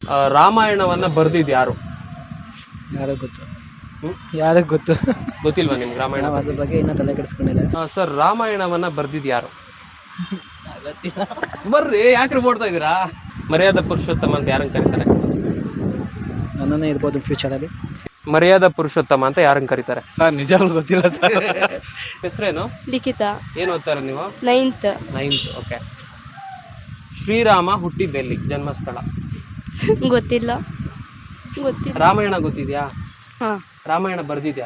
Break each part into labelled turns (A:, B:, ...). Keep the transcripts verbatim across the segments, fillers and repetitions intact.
A: ಆ, ರಾಮಾಯಣವನ್ನ ಬರ್ದಿದ್ ಯಾರು?
B: ಯಾರೋ ಗೊತ್ತು.
A: ಹ್ಮ್?
B: ಯಾರಿಗೆ ಗೊತ್ತು?
A: ಗೊತ್ತಿಲ್ವಾ ನಿಮ್ಗೆ ರಾಮಾಯಣ?
B: ನಾವು ಅದ್ರ ಬಗ್ಗೆ ಇನ್ನೂ ತಲೆ ಕೆಡಿಸ್ಕೊಂಡಿಲ್ಲ.
A: ಆ, ಸರ್ ರಾಮಾಯಣವನ್ನ ಬರ್ದಿದ್ ಯಾರು? ಬರ್ರಿ, ಯಾಕ್ರಿ ಓಡ್ತಾ ಇದೀರಾ? ಮರ್ಯಾದಾ ಪುರುಷೋತ್ತಮ ಅಂತ ಯಾರನ್ನ ಕರೀತಾರೆ?
B: ನನ್ನನ್ನೇ ಇರ್ಬೋದು ಫ್ಯೂಚರಲ್ಲಿ.
A: ಮರ್ಯಾದಾ ಪುರುಷೋತ್ತಮ ಅಂತ ಯಾರನ್ನ ಕರೀತಾರೆ?
B: ಸರ್ ನಿಜವಾಗ್ಲೂ ಗೊತ್ತಿಲ್ಲ ಸರ್.
A: ಹೆಸರೇನು?
C: ಲಿಖಿತ
A: ಏನ್ ಓದ್ತಾರ ನೀವು?
C: ನೈನ್ತ್.
A: ನೈನ್ತ್. ಓಕೆ. ಶ್ರೀರಾಮ ಹುಟ್ಟಿದ್ದೆಲ್ಲಿ? ಜನ್ಮಸ್ಥಳ?
C: ಗೊತ್ತಿಲ್ಲ ಗೊತ್ತಿಲ್ಲ
A: ರಾಮಾಯಣ ಗೊತ್ತಿದ್ಯಾ?
C: ಹಾ
A: ರಾಮಾಯಣ ಬರ್ದಿದ್ಯಾ?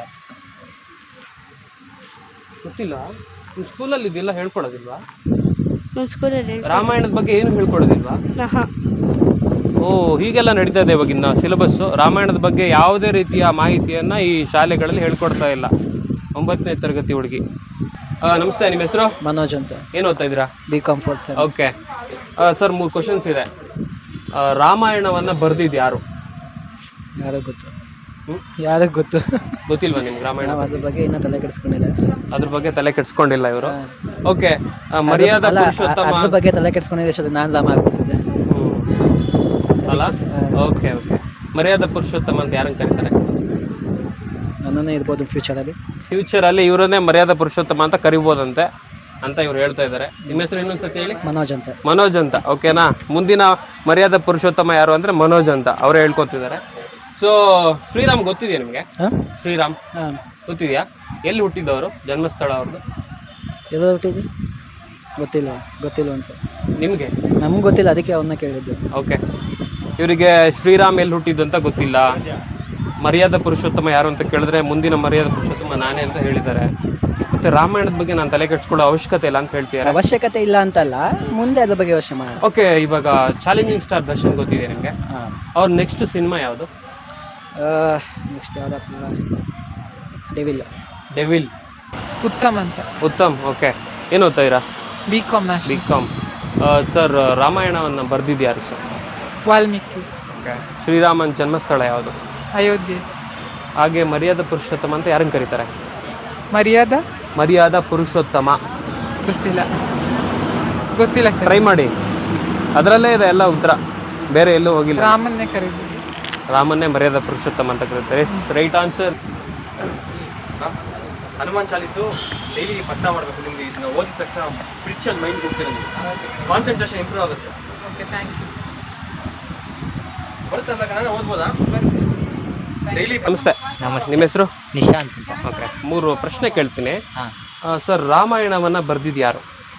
A: ಗೊತ್ತಿಲ್ಲ. ನಿಮ್ಮ ಸ್ಕೂಲಲ್ಲಿ ಇದೆಲ್ಲ ಹೇಳ್ಕೊಡೋದಿಲ್ವಾ?
C: ನಮ್ಮ ಸ್ಕೂಲಲ್ಲಿ
A: ರಾಮಾಯಣದ ಬಗ್ಗೆ ಏನು ಹೇಳ್ಕೊಡೋದಿಲ್ವಾ?
C: ಹಾ
A: ಓ, ಹೀಗೆಲ್ಲ ನಡೀತಾ ಇದೆ ಇವಾಗಿನ ಸಿಲೆಬಸ್ಸು. ರಾಮಾಯಣದ ಬಗ್ಗೆ ಯಾವುದೇ ರೀತಿಯ ಮಾಹಿತಿಯನ್ನು ಈ ಶಾಲೆಗಳಲ್ಲಿ ಹೇಳ್ಕೊಡ್ತಾ ಇಲ್ಲ. ಒಂಬತ್ತನೇ ತರಗತಿ ಹುಡುಗಿ. ನಮಸ್ತೆ, ನಿಮ್ಮ ಹೆಸರು?
B: ಮನೋಜ್ ಅಂತ.
A: ಏನು ಓದ್ತಾ ಇದ್ದೀರಾ?
B: B com fourth sem.
A: Okay sir, ಮೂರು ಕ್ವಶನ್ಸ್ ಇದೆ. ಆ, ರಾಮಾಯಣವನ್ನು ಬರ್ದಿದ್ದು ಯಾರು?
B: ಯಾರಿಗೆ ಗೊತ್ತು?
A: ಹ್ಮ್?
B: ಯಾರಿಗೆ ಗೊತ್ತು?
A: ಗೊತ್ತಿಲ್ವಾ ನಿಮ್ಗೆ ರಾಮಾಯಣ?
B: ನಾವು ಅದ್ರ ಬಗ್ಗೆ ಇನ್ನೂ ತಲೆ ಕೆಡಿಸ್ಕೊಂಡಿಲ್ಲ.
A: ಅದ್ರ ಬಗ್ಗೆ ತಲೆ ಕೆಡಿಸ್ಕೊಂಡಿಲ್ಲ ಇವರು. ಓಕೆ. ಮರ್ಯಾದಾ
B: ಅಲ್ಲ,
A: ಪುರುಷೋತ್ತಮ
B: ಅದ್ರ ಬಗ್ಗೆ ತಲೆ ಕೆಡಿಸ್ಕೊಂಡಿದ್ದೆ ನಾನು ಲಾಮ ಆಗ್ಬಿಡ್ತಿದ್ದೆ.
A: ಅಲ್ಲ? Okay okay. ಮರ್ಯಾದಾ ಪುರುಷೋತ್ತಮ ಅಂತ ಯಾರನ್ನ ಕರೀತಾರೆ?
B: ನನ್ನನ್ನೇ ಇರ್ಬೋದು ಫ್ಯೂಚರಲ್ಲಿ.
A: ಫ್ಯೂಚರಲ್ಲಿ ಇವರನ್ನೇ ಮರ್ಯಾದಾ ಪುರುಷೋತ್ತಮ ಅಂತ ಕರಿಬೋದಂತೆ ಅಂತ ಇವ್ರು ಹೇಳ್ತಾ ಇದ್ದಾರೆ. ನಿಮ್ಮ ಹೆಸರು ಇನ್ನೊಂದ್ಸತಿ ಹೇಳಿ.
B: ಮನೋಜ್ ಅಂತ.
A: ಮನೋಜ್ ಅಂತ. ಓಕೆನಾ? ಮುಂದಿನ ಮರ್ಯಾದಾ ಪುರುಷೋತ್ತಮ ಯಾರು ಅಂದ್ರೆ ಮನೋಜ್ ಅಂತ ಅವರೇ ಹೇಳ್ಕೊತಿದ್ದಾರೆ. ಸೊ ಶ್ರೀರಾಮ್ ಗೊತ್ತಿದೆಯಾ ನಿಮಗೆ?
B: ಹಾಂ
A: ಶ್ರೀರಾಮ್
B: ಹಾಂ
A: ಗೊತ್ತಿದೆಯಾ? ಎಲ್ಲಿ ಹುಟ್ಟಿದ್ದವರು? ಜನ್ಮಸ್ಥಳ ಅವ್ರದ್ದು?
B: ಎಲ್ಲ ಹುಟ್ಟಿದ್ದು ಗೊತ್ತಿಲ್ಲ ಗೊತ್ತಿಲ್ಲ ಅಂತ.
A: ನಿಮಗೆ?
B: ನಮ್ಗೆ ಗೊತ್ತಿಲ್ಲ, ಅದಕ್ಕೆ ಅವನ್ನ ಕೇಳಿದ್ದು.
A: ಓಕೆ. ಇವರಿಗೆ ಶ್ರೀರಾಮ್ ಎಲ್ಲಿ ಹುಟ್ಟಿದ್ದು ಅಂತ ಗೊತ್ತಿಲ್ಲ. ಮರ್ಯಾದಾ ಪುರುಷೋತ್ತಮ ಯಾರು ಅಂತ ಕೇಳಿದ್ರೆ ಮುಂದಿನ ಮರ್ಯಾದಾ ಪುರುಷೋತ್ತಮ ನಾನೇ ಅಂತ ಹೇಳಿದ್ದಾರೆ. ಮತ್ತೆ ರಾಮಾಯಣದ ಬಗ್ಗೆ ನಾನು ತಲೆ ಕೆಡಿಸ್ಕೊಳ್ಳೋ ಅವಶ್ಯಕತೆ ಇಲ್ಲ ಅಂತ ಹೇಳ್ತಿದ್ದಾರೆ.
B: ಅವಶ್ಯಕತೆ ಇಲ್ಲ ಅಂತಲ್ಲ, ಮುಂದೆ ಅದ್ರ ಬಗ್ಗೆ ಯೋಚನೆ ಮಾಡೋಣ.
A: ಓಕೆ. ಇವಾಗ ಚಾಲೆಂಜಿಂಗ್ ಸ್ಟಾರ್ ದರ್ಶನ್ ಗೊತ್ತಿದೆ ನಿಮಗೆ?
B: ಹಾಂ.
A: ಅವ್ರ ನೆಕ್ಸ್ಟ್ ಸಿನಿಮಾ ಯಾವುದು?
B: ನೆಕ್ಸ್ಟ್ ಯಾವ್ದಪ್ಪ? ಡೆವಿಲ್.
A: ಡೆವಿಲ್.
D: ಉತ್ತಮ್ ಅಂತ.
A: ಉತ್ತಮ್. ಓಕೆ. ಏನು ಓದ್ತಾ ಇರಾ?
D: B com
A: B com. Sir ರಾಮಾಯಣವನ್ನು ಬರ್ದಿದ್ದು ಯಾರು ಸರ್?
D: ವಾಲ್ಮೀಕಿ.
A: ಓಕೆ. ಶ್ರೀರಾಮನ್ ಜನ್ಮಸ್ಥಳ ಯಾವುದು?
D: ಅಯೋಧ್ಯೆ.
A: ಹಾಗೆ ಮರ್ಯಾದಾ ಪುರುಷೋತ್ತಮ ಅಂತ ಯಾರನ್ನು ಕರೀತಾರೆ?
D: ಮರ್ಯಾದಾ
A: ಮರ್ಯಾದಾ ಪುರುಷೋತ್ತಮ
D: ಗೊತ್ತಿಲ್ಲ ಗೊತ್ತಿಲ್ಲ ಸರ್.
A: ಟ್ರೈ ಮಾಡಿ, ಅದರಲ್ಲೇ ಇದೆ ಎಲ್ಲ ಉತ್ತರ, ಬೇರೆ ಎಲ್ಲೂ ಹೋಗಿಲ್ಲ.
D: ರಾಮನ್ನೇ ಕರೀಬೋದು.
A: ರಾಮನ್ನೇ ಮರ್ಯಾದಾ ಪುರುಷೋತ್ತಮ ಅಂತ ಕರೀತಾರೆ. Right answer.
E: Hanuman Chalisa daily ಪಠ ಮಾಡಬೇಕು. ನಿಮ್ಗೆ ಇದನ್ನ ಓದಿದ ತಕ್ಷಣ ಸ್ಪಿರಿಚುವಲ್ ಮೈಂಡ್ ಹೋಗ್ತೀರ, ನೀವು ಕಾನ್ಸಂಟ್ರೇಷನ್ ಇಂಪ್ರೂವ್ ಆಗುತ್ತೆ.
D: Okay, thank you.
E: ಬರುತ್ತೆ ಅಂತ ಕನ್ನಡ ಓದ್ಬೋದಾ? ಡೈಲಿ.
A: ನಮಸ್ತೆ.
B: ನಮಸ್ತೆ.
A: ನಿಮ್ಮ ಹೆಸರು?
B: ನಿಶಾಂತ್ ಅಂತ.
A: ಓಕೆ. ಮೂರು ಪ್ರಶ್ನೆ ಕೇಳ್ತೀನಿ.
B: ಹಾಂ.
A: ಸರ್ ರಾಮಾಯಣವನ್ನ ಬರ್ದಿದ್ದು ಯಾರು?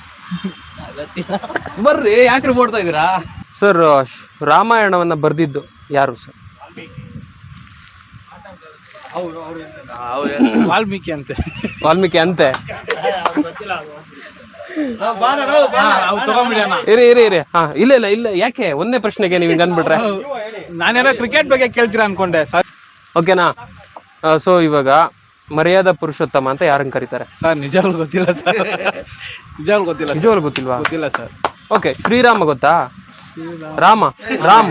A: ಬರ್ರಿ, ಯಾಕ್ರಿ ಓಡ್ತಾ ಇದ್ದೀರಾ? ಸರ್ ರಾಮಾಯಣವನ್ನ ಬರ್ದಿದ್ದು ಯಾರು ಸರ್?
B: ವಾಲ್ಮೀಕಿ ಅಂತ.
A: ವಾಲ್ಮೀಕಿ ಅಂತೆ.
B: ತಗೊಂಬಿಡಿ.
A: ಇರಿ ಇರಿ ಇರಿ ಹಾ ಇಲ್ಲ ಇಲ್ಲ ಇಲ್ಲ ಯಾಕೆ ಒಂದೇ ಪ್ರಶ್ನೆಗೆ ನೀವು ಹಿಂಗೆ ಅಂದ್ಬಿಟ್ರೆ?
B: ನಾನೇನೋ ಕ್ರಿಕೆಟ್ ಬಗ್ಗೆ ಕೇಳ್ತೀರಾ ಅನ್ಕೊಂಡೆ ಸರ್.
A: ಓಕೆನಾ? ಸೊ ಇವಾಗ ಮರ್ಯಾದಾ ಪುರುಷೋತ್ತಮ ಅಂತ ಯಾರನ್ನ ಕರೀತಾರೆ?
B: ಸರ್ ನಿಜವಾಗ್ಲೂ ಗೊತ್ತಿಲ್ಲ ಸರ್. ನಿಜವಾಗ್ಲೂ ಗೊತ್ತಿಲ್ಲ.
A: ನಿಜವಾಗ್ಲೂ ಗೊತ್ತಿಲ್ವಾ?
B: ಗೊತ್ತಿಲ್ಲ ಸರ್.
A: ಓಕೆ. ಶ್ರೀರಾಮ ಗೊತ್ತಾ? ರಾಮ ರಾಮ್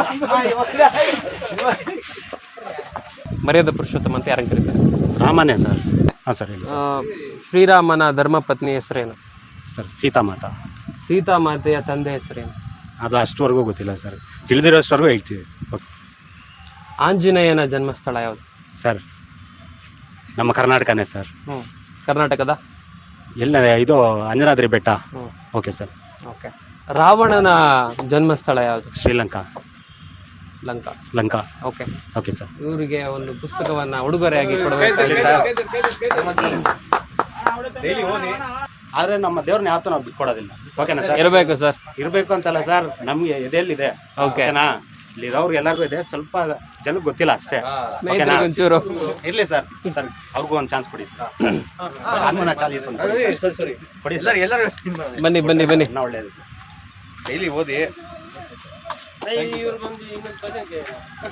A: ಮರ್ಯಾದಾ ಪುರುಷೋತ್ತಮ ಅಂತ ಯಾರನ್ನ ಕರೀತಾರೆ?
F: ರಾಮನೇ ಸರ್. ಹಾಂ ಸರ್, ಹೇಳಿ
A: ಆ, ಶ್ರೀರಾಮನ ಧರ್ಮಪತ್ನಿ ಹೆಸರೇನು
F: ಸರ್. ಸೀತಾಮಾತಾ.
A: ಸೀತಾಮಾತೆಯ ತಂದೆ ಹೆಸರೇನು?
F: ಅದು ಅಷ್ಟವರೆಗೂ ಗೊತ್ತಿಲ್ಲ ಸರ್, ತಿಳಿದಿರೋಷ್ಟವರೆಗೂ ಹೇಳ್ತೀವಿ.
A: ಆಂಜನೇಯನ ಜನ್ಮಸ್ಥಳ ಯಾವುದು
F: ಸರ್? ನಮ್ಮ ಕರ್ನಾಟಕನೇ ಸರ್.
A: ಹ್ಞೂ ಕರ್ನಾಟಕದ
F: ಎಲ್ಲ ಇದು ಅಂಜನಾದ್ರಿ ಬೆಟ್ಟ.
A: ಹ್ಞೂ
F: ಓಕೆ ಸರ್.
A: ಓಕೆ. ರಾವಣನ ಜನ್ಮಸ್ಥಳ ಯಾವುದು?
F: Sri Lanka.
A: Lanka.
F: Lanka.
A: Okay.
F: Okay sir.
A: ಇವರಿಗೆ ಒಂದು ಪುಸ್ತಕವನ್ನ ಉಡುಗೊರೆಯಾಗಿ ಕೊಡಬೇಕು.
E: ಡೈಲಿ ಓದಿ.
F: ಆದರೆ ನಮ್ಮ ದೇವ್ರನ್ನ ಯಾವತ್ತೂ ನಾವು ಬಿಟ್ಕೊಡೋದಿಲ್ಲ. ಓಕೆನಾ ಸರ್?
A: ಇರಬೇಕು ಸರ್.
F: ಇರಬೇಕು ಅಂತಲ್ಲ ಸರ್, ನಮಗೆ ಎದೆಯಲ್ಲಿದೆ.
A: ಓಕೆ.
F: ಓಕೆನಾ? ಇಲ್ಲಿರೋರ್ಗೆ ಎಲ್ಲರಿಗೂ ಇದೆ, ಸ್ವಲ್ಪ ಜನಕ್ಕೆ ಗೊತ್ತಿಲ್ಲ ಅಷ್ಟೇ. ಓಕೆನಾ?
A: ಒಂಚೂರು
F: ಇರ್ಲಿ ಸರ್. ಸರ್ ಅವ್ರಿಗೂ ಒಂದು ಚಾನ್ಸ್ ಕೊಡಿ ಸರ್. ಹನುಮಾನ ಚಾಲೀಸ್ ಒಂದು ಕೊಡಿ ಸರ್.
E: ಸರಿ ಸರಿ
F: ಕೊಡಿ ಸರ್.
E: ಎಲ್ಲರೂ ಎಲ್ಲರೂ
A: ಬನ್ನಿ ಬನ್ನಿ ಬನ್ನಿ.
F: ಇನ್ನೂ ಒಳ್ಳೆಯದು ಸರ್.
E: ಡೈಲಿ ಓದಿ.